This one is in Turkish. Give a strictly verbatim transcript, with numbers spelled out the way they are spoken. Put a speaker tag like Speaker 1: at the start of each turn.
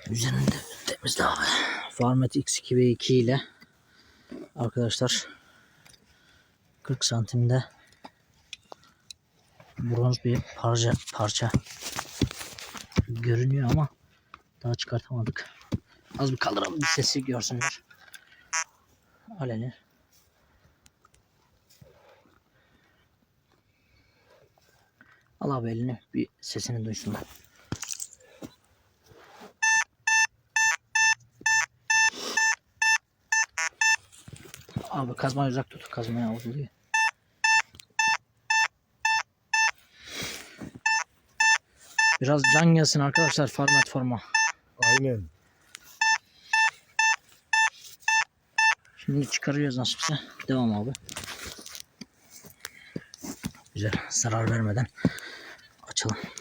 Speaker 1: Üzerinde temizle abi. Farmet X iki V iki ile arkadaşlar kırk santimde bronz bir parça parça görünüyor ama daha çıkartamadık. Az bir kaldıralım, bir sesi görsünler. Aleni. Al abi elini, bir sesini duysunlar. Abi kazmayı uzak tut, kazmaya vuruluyor. Biraz can gelsin arkadaşlar, format forma.
Speaker 2: Aynen.
Speaker 1: Şimdi çıkarıyoruz nasipse. Devam abi. Güzel, zarar vermeden açalım.